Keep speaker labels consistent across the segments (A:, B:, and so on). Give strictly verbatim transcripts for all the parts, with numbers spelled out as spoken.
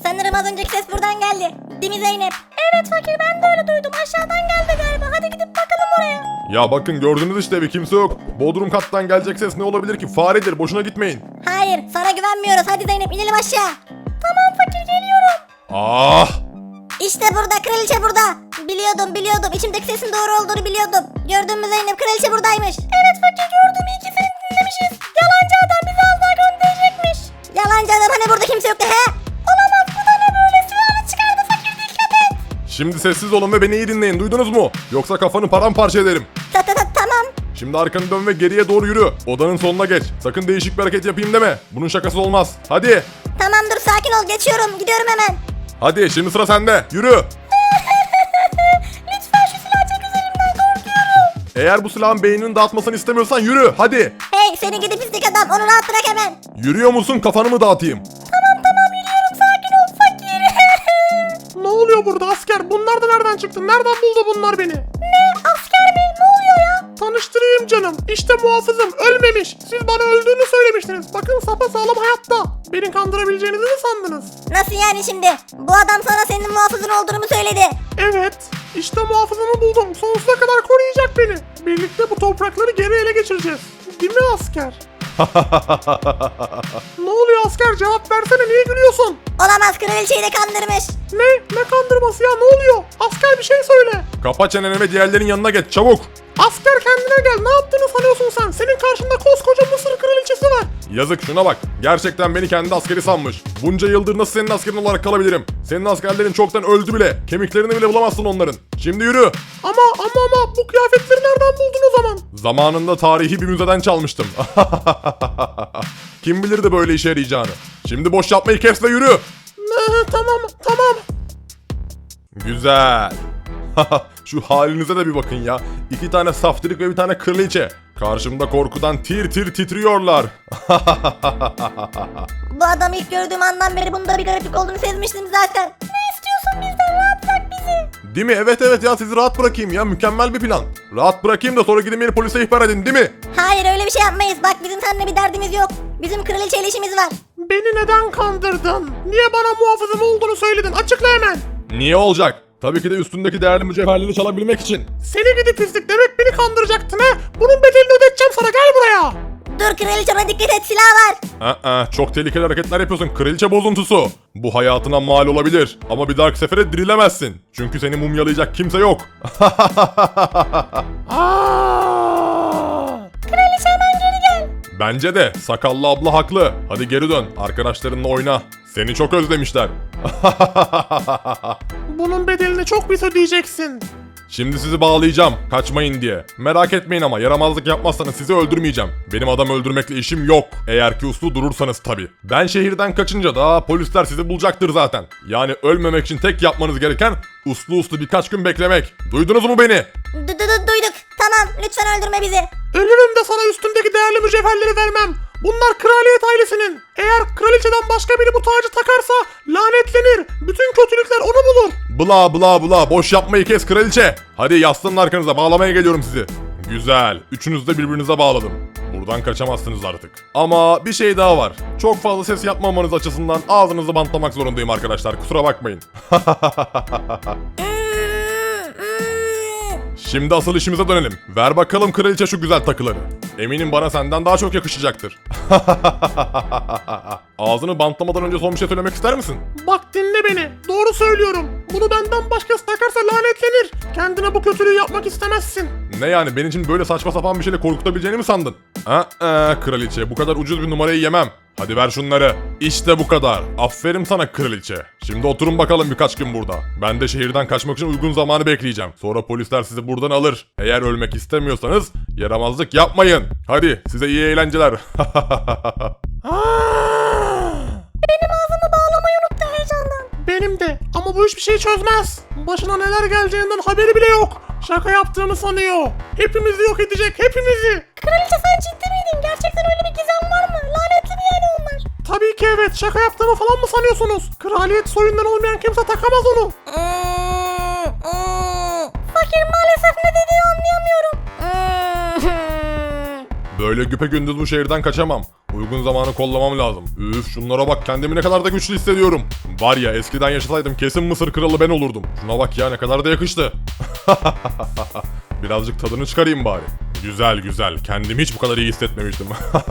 A: Sanırım az önceki ses buradan geldi. Değil mi Zeynep? Evet fakir, ben de öyle duydum. Aşağıdan geldi galiba. Hadi gidip bakalım oraya.
B: Ya bakın gördünüz işte, evi kimse yok. Bodrum kattan gelecek ses ne olabilir ki? Faredir, boşuna gitmeyin.
A: Hayır, sana güvenmiyoruz. Hadi Zeynep, inelim aşağı. Tamam fakir, geliyorum.
B: Ah!
A: İşte burada, kraliçe burada. Biliyordum biliyordum. İçimdeki sesin doğru olduğunu biliyordum. Gördün mü Zeynep, kraliçe buradaymış. Evet fakir, gördüm. İyi ki seni dinlemişiz. Yalancı adam bizi az daha gönderecekmiş. Yalancı adam, hani burada kimse yoktu he? Olamaz, bu da ne böyle? Silahını çıkardı fakir, dikkat et.
B: Şimdi sessiz olun ve beni iyi dinleyin, duydunuz mu? Yoksa kafanı paramparça ederim.
A: Ta ta ta tamam.
B: Şimdi arkanı dön ve geriye doğru yürü. Odanın sonuna geç. Sakın değişik bir hareket yapayım deme. Bunun şakası olmaz. Hadi.
A: Tamam dur, sakin ol, geçiyorum. Gidiyorum hemen.
B: Hadi şimdi sıra sende. Yürü.
A: Lütfen şu silahı çek üzerimden, korkuyorum.
B: Eğer bu silahın beynini dağıtmasını istemiyorsan yürü. Hadi.
A: Hey seni gidi pislik adam, onu rahat bırak hemen.
B: Yürüyor musun? Kafanı mı dağıtayım?
A: Tamam tamam, yürüyorum, sakin ol fakir.
C: Ne oluyor burada asker? Bunlar da nereden çıktı? Nereden buldu bunlar beni?
A: Ne? Asker mi? Ne oluyor ya?
C: Tanıştırayım canım. İşte muhafızım ölmemiş. Siz bana öldüğünü söylemiştiniz. Bakın sapasağlam hayatta. Beni kandırabileceğinizi mi sandınız?
A: Nasıl yani şimdi? Bu adam sana senin muhafızın olduğunu mu söyledi?
C: Evet. İşte muhafızımı buldum. Sonsuza kadar koruyacak beni. Birlikte bu toprakları geri ele geçireceğiz. Değil mi asker? Ne oluyor asker? Cevap versene, niye gülüyorsun?
A: Olamaz, kraliçeyi de kandırmış.
C: Ne? Ne kandırması ya? Ne oluyor? Asker bir şey söyle.
B: Kapa çeneni ve diğerlerin yanına geç çabuk.
C: Asker kendine gel. Ne yaptığını sanıyorsun sen? Senin karşında koskoca Mısır kraliçesi var.
B: Yazık, şuna bak. Gerçekten beni kendi askeri sanmış. Bunca yıldır nasıl senin askerin olarak kalabilirim? Senin askerlerin çoktan öldü bile. Kemiklerini bile bulamazsın onların. Şimdi yürü.
C: Ama ama ama bu kıyafetleri nereden buldun o zaman?
B: Zamanında tarihi bir müzeden çalmıştım. Kim bilirdi böyle işe yarayacağını. Şimdi boş yapmayı kes ve yürü.
C: Ne, tamam tamam.
B: Güzel. Şu halinize de bir bakın ya. İki tane saftirik ve bir tane kraliçe. Karşımda korkudan tir tir titriyorlar.
A: Bu adamı ilk gördüğüm andan beri bunda bir gariplik olduğunu sezmiştim zaten. Ne istiyorsun bizden? Rahat bırak bizi.
B: Değil mi? Evet evet ya, sizi rahat bırakayım ya. Mükemmel bir plan. Rahat bırakayım da sonra gidin beni polise ihbar edin, değil mi?
A: Hayır, öyle bir şey yapmayız. Bak, bizim seninle bir derdimiz yok. Bizim kraliçeyle işimiz var.
C: Beni neden kandırdın? Niye bana muhafızım olduğunu söyledin? Açıkla hemen.
B: Niye olacak? Tabii ki de üstündeki değerli mücevherleri çalabilmek için.
C: Seni gidi pislik, demek beni kandıracaktın ha? Bunun bedelini ödeteceğim sana, gel buraya.
A: Dur kraliçe, ona dikkat et, silah var.
B: Aa, çok tehlikeli hareketler yapıyorsun kraliçe bozuntusu. Bu hayatına mal olabilir ama bir dahaki sefere dirilemezsin. Çünkü seni mumyalayacak kimse yok.
C: Aa!
A: Kraliçe hemen geri gel.
B: Bence de sakallı abla haklı. Hadi geri dön, arkadaşlarınla oyna. Seni çok özlemişler.
C: Bunun bedelini çok pis ödeyeceksin.
B: Şimdi sizi bağlayacağım, kaçmayın diye. Merak etmeyin ama yaramazlık yapmazsanız sizi öldürmeyeceğim. Benim adam öldürmekle işim yok. Eğer ki uslu durursanız tabii. Ben şehirden kaçınca da polisler sizi bulacaktır zaten. Yani ölmemek için tek yapmanız gereken uslu uslu birkaç gün beklemek. Duydunuz mu beni?
A: Du- du- du- duyduk. Tamam, lütfen öldürme bizi.
C: Ölürüm de sana üstümdeki değerli mücevherleri vermem. Bunlar kraliyet ailesinin. Eğer kraliçeden başka biri bu tacı takarsa lanetlenir. Bütün kötülükler onu bulur.
B: Bla bla bla, boş yapmayı kes kraliçe. Hadi yaslanın arkanıza, bağlamaya geliyorum sizi. Güzel, üçünüzü de birbirinize bağladım. Buradan kaçamazsınız artık. Ama bir şey daha var. Çok fazla ses yapmamanız açısından ağzınızı bantlamak zorundayım arkadaşlar, kusura bakmayın. Şimdi asıl işimize dönelim. Ver bakalım kraliçe şu güzel takıları. Eminim bana senden daha çok yakışacaktır. Ağzını bantlamadan önce son bir şey söylemek ister misin?
C: Bak dinle beni. Doğru söylüyorum. Bunu benden başkası takarsa lanetlenir. Kendine bu kötülüğü yapmak istemezsin.
B: Ne yani, benim için böyle saçma sapan bir şeyle korkutabileceğini mi sandın? Aa, kraliçe, bu kadar ucuz bir numarayı yemem. Hadi ver şunları. İşte bu kadar. Aferin sana kraliçe. Şimdi oturun bakalım birkaç gün burada. Ben de şehirden kaçmak için uygun zamanı bekleyeceğim. Sonra polisler sizi buradan alır. Eğer ölmek istemiyorsanız yaramazlık yapmayın. Hadi size iyi eğlenceler.
C: Benim ağzımı bağlamayı unuttu heyecandan. Benim de, ama bu hiçbir şey çözmez. Başına neler geleceğinden haberi bile yok. Şaka yaptığımı sanıyor. Hepimizi yok edecek, hepimizi.
A: Kraliçe sen ciddi miydin? Gerçekten öyle bir gizem var mı? Lanetli mi yani onlar?
C: Tabii ki evet, şaka yaptığımı falan mı sanıyorsunuz? Kraliyet soyundan olmayan kimse takamaz onu.
A: Fakir, maalesef ne dediğini anlayamıyorum.
B: Böyle güpegündüz bu şehirden kaçamam. Uygun zamanı kollamam lazım. Üf şunlara bak kendimi ne kadar da güçlü hissediyorum. Var ya eskiden yaşasaydım kesin Mısır kralı ben olurdum. Şuna bak ya ne kadar da yakıştı. Birazcık tadını çıkarayım bari. Güzel güzel. Kendimi hiç bu kadar iyi hissetmemiştim.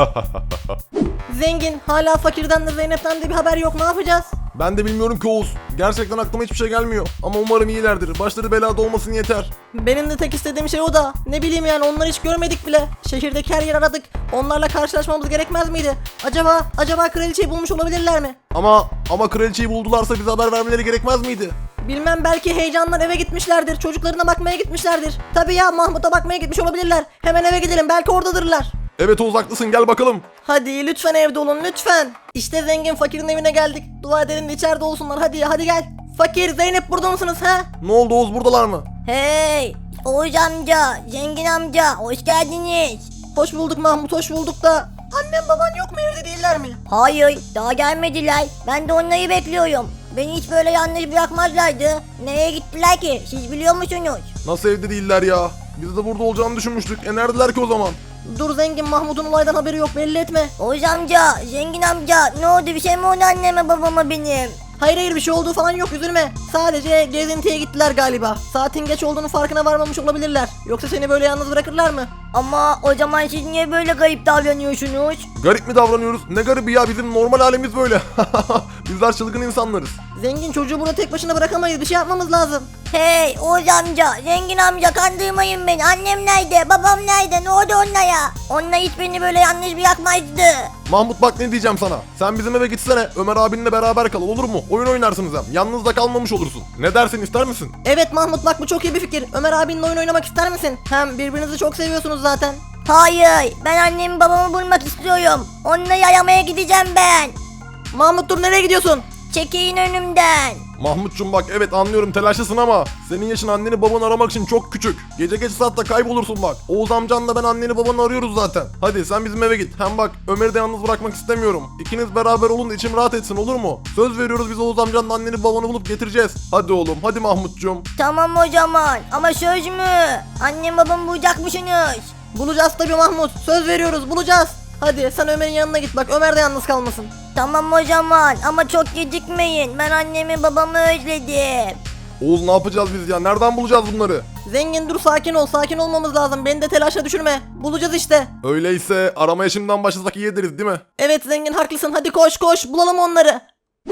D: Zengin, hala fakirden de Zeynep'ten de bir haber yok, ne yapacağız?
C: Ben de bilmiyorum ki Oğuz. Gerçekten aklıma hiçbir şey gelmiyor. Ama umarım iyilerdir. Başları belada olmasın yeter.
D: Benim de tek istediğim şey o da. Ne bileyim yani, onları hiç görmedik bile. Şehirdeki her yer aradık. Onlarla karşılaşmamız gerekmez miydi? Acaba, acaba kraliçeyi bulmuş olabilirler mi?
C: Ama ama kraliçeyi buldularsa bize haber vermeleri gerekmez miydi?
D: Bilmem, belki heyecandan eve gitmişlerdir. Çocuklarına bakmaya gitmişlerdir. Tabii ya, Mahmut'a bakmaya gitmiş olabilirler. Hemen eve gidelim, belki oradadırlar.
C: Evet Oğuz haklısın, gel bakalım.
D: Hadi lütfen evde olun, lütfen. İşte zengin fakirin evine geldik. Dua edelim de içeride olsunlar. Hadi hadi gel. Fakir, Zeynep burada mısınız ha?
C: Ne oldu Oğuz, buradalar mı?
A: Hey Oğuz amca, zengin amca hoş geldiniz.
D: Hoş bulduk Mahmut, hoş bulduk da. Annem baban yok mu, evde değiller mi?
A: Hayır daha gelmediler. Ben de onları bekliyorum. Beni hiç böyle yalnız bırakmazlardı. Nereye gittiler ki? Siz biliyor musunuz?
C: Nasıl evde değiller ya? Biz de burada olacağını düşünmüştük. E neredeler ki o zaman?
D: Dur zengin, Mahmut'un olaydan haberi yok, belli etme.
A: Oğuz amca, zengin amca ne oldu, bir şey mi oldu anneme babama benim?
D: Hayır hayır, bir şey olduğu falan yok, üzülme. Sadece gezintiye gittiler galiba. Saatin geç olduğunu farkına varmamış olabilirler. Yoksa seni böyle yalnız bırakırlar mı?
A: Ama o zaman siz niye böyle garip davranıyorsunuz?
C: Garip mi davranıyoruz? Ne garibi ya, bizim normal halimiz böyle. Bizler çılgın insanlarız.
D: Zengin, çocuğu burada tek başına bırakamayız, bir şey yapmamız lazım.
A: Hey Oğuz amca, zengin amca kandırmayın beni. Annem nerede, babam nerede, ne oldu onlara? Onlar hiç beni böyle yalnız bırakmazdı.
C: Mahmut bak ne diyeceğim sana. Sen bizim eve gitsene. Ömer abinle beraber kal, olur mu? Oyun oynarsınız hem. Yalnız da kalmamış olursun. Ne dersin, ister misin?
D: Evet Mahmut, bak bu çok iyi bir fikir. Ömer abinle oyun oynamak ister misin? Hem birbirinizi çok seviyorsunuz zaten.
A: Hayır, ben annemi babamı bulmak istiyorum. Onları aramaya gideceğim ben.
D: Mahmut dur, nereye gidiyorsun?
A: Çekilin önümden.
C: Mahmutcum bak, evet anlıyorum telaşlısın ama senin yaşın anneni babanı aramak için çok küçük. Gece geç saatte kaybolursun bak. Oğuz amcanla ben anneni babanı arıyoruz zaten. Hadi sen bizim eve git. Hem bak Ömer'i de yalnız bırakmak istemiyorum. İkiniz beraber olun da içim rahat etsin, olur mu? Söz veriyoruz, biz Oğuz amcanla anneni babanı bulup getireceğiz. Hadi oğlum, hadi Mahmutcum.
A: Tamam o zaman, ama söz mü? Annem babamı bulacakmışsınız.
D: Bulacağız tabii Mahmut, söz veriyoruz, bulacağız. Hadi sen Ömer'in yanına git, bak Ömer de yalnız kalmasın.
A: Tamam o zaman, ama çok gecikmeyin. Ben annemi babamı özledim.
C: Oğuz ne yapacağız biz ya? Nereden bulacağız bunları?
D: Zengin dur, sakin ol, sakin olmamız lazım, beni de telaşa düşürme. Bulacağız işte.
C: Öyleyse aramaya şimdiden başlasak iyi ederiz değil mi?
D: Evet zengin, haklısın, hadi koş koş, bulalım onları.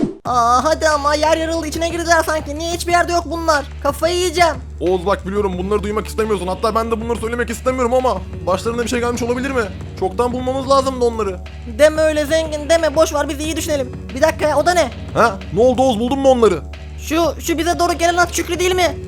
D: Aa hadi ama, yer yarıldı, içine girdiler sanki. Niye hiçbir yerde yok bunlar? Kafayı yiyeceğim.
C: Oğuz bak biliyorum bunları duymak istemiyorsun. Hatta ben de bunları söylemek istemiyorum ama başlarına bir şey gelmiş olabilir mi? Çoktan bulmamız lazımdı onları.
D: Deme öyle zengin, deme, boş ver, biz iyi düşünelim. Bir dakika ya, o da ne?
C: Ha? Ne oldu Oğuz, buldun mu onları?
D: Şu, şu bize doğru gelen at Şükrü değil mi?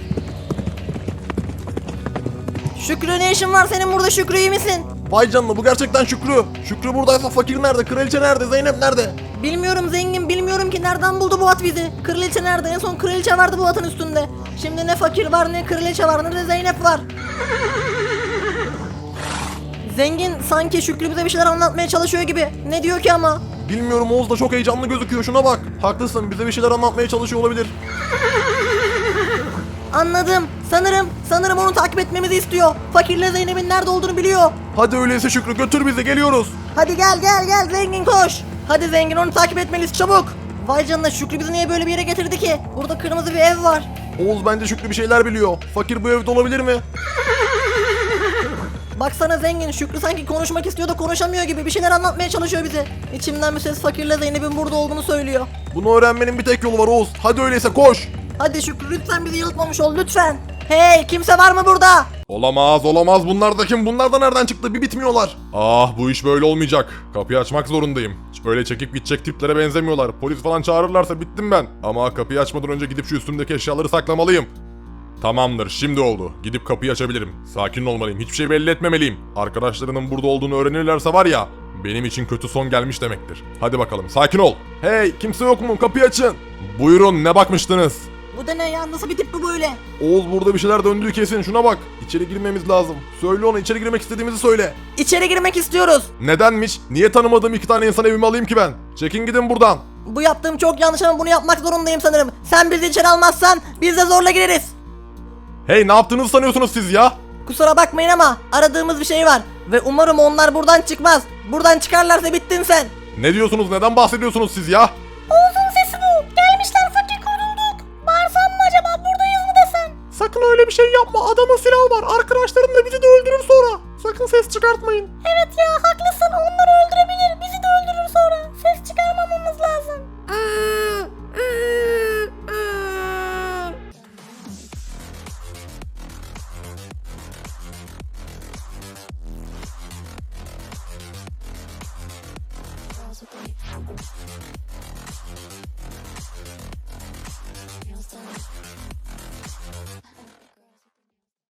D: Şükrü, ne işin var senin burada, Şükrü, iyi misin?
C: Vay canına, bu gerçekten Şükrü. Şükrü buradaysa fakir nerede? Kraliçe nerede? Zeynep nerede?
D: Bilmiyorum zengin, bilmiyorum ki nereden buldu bu at bizi. Kraliçe nerede? En son kraliçe vardı bu atın üstünde. Şimdi ne fakir var, ne kraliçe var, ne de Zeynep var. Zengin sanki Şükrü bize bir şeyler anlatmaya çalışıyor gibi. Ne diyor ki ama?
C: Bilmiyorum, Oğuz da çok heyecanlı gözüküyor, şuna bak. Haklısın, bize bir şeyler anlatmaya çalışıyor olabilir.
D: Anladım. Sanırım, sanırım onu takip etmemizi istiyor. Fakirle Zeynep'in nerede olduğunu biliyor.
C: Hadi öyleyse Şükrü, götür bizi, geliyoruz.
D: Hadi gel gel gel zengin, koş. Hadi zengin, onu takip etmeliyiz çabuk. Vay canına, Şükrü bizi niye böyle bir yere getirdi ki? Burada kırmızı bir ev var.
C: Oğuz bence Şükrü bir şeyler biliyor. Fakir bu evde olabilir mi?
D: Baksana zengin, Şükrü sanki konuşmak istiyor da konuşamıyor gibi, bir şeyler anlatmaya çalışıyor bize. İçimden bir ses fakirle Zeynep'in burada olduğunu söylüyor.
C: Bunu öğrenmenin bir tek yolu var Oğuz. Hadi öyleyse koş.
D: Hadi Şükrü, lütfen bizi yanıltmamış ol, lütfen. Hey, kimse var mı burada?
B: Olamaz olamaz, bunlar da kim? Bunlar da nereden çıktı? Bir bitmiyorlar. Ah bu iş böyle olmayacak. Kapıyı açmak zorundayım. Hiç böyle çekip gidecek tiplere benzemiyorlar. Polis falan çağırırlarsa bittim ben. Ama kapıyı açmadan önce gidip şu üstümdeki eşyaları saklamalıyım. Tamamdır, şimdi oldu. Gidip kapıyı açabilirim. Sakin olmalıyım, hiçbir şey belli etmemeliyim. Arkadaşlarının burada olduğunu öğrenirlerse var ya, benim için kötü son gelmiş demektir. Hadi bakalım, sakin ol. Hey, kimse yok mu? Kapıyı açın. Buyurun, ne bakmıştınız?
D: Bu da ne ya, nasıl bir tip bu böyle?
C: Oğuz burada bir şeyler döndüğü kesin, şuna bak. İçeri girmemiz lazım. Söyle ona, içeri girmek istediğimizi söyle.
D: İçeri girmek istiyoruz.
B: Nedenmiş? Niye tanımadığım iki tane insan evime alayım ki ben? Çekin gidin buradan.
D: Bu yaptığım çok yanlış ama bunu yapmak zorundayım sanırım. Sen bizi içeri almazsan biz de zorla gireriz.
B: Hey, ne yaptığınızı sanıyorsunuz siz ya?
D: Kusura bakmayın ama aradığımız bir şey var. Ve umarım onlar buradan çıkmaz. Buradan çıkarlarsa bittin sen.
B: Ne diyorsunuz, neden bahsediyorsunuz siz ya?
A: Oğuz'un sesi bu. Gelmişler fakir, korulduk. Bağırsam mı acaba, buradayız mı desem?
C: Sakın öyle bir şey yapma. Adamın silahı var. Arkadaşlarım da bizi de öldürür sonra. Sakın ses çıkartmayın.
A: Evet ya, haklısın, onları öldürebilir, bizi de öldürür sonra. Ses çıkarmamamız lazım.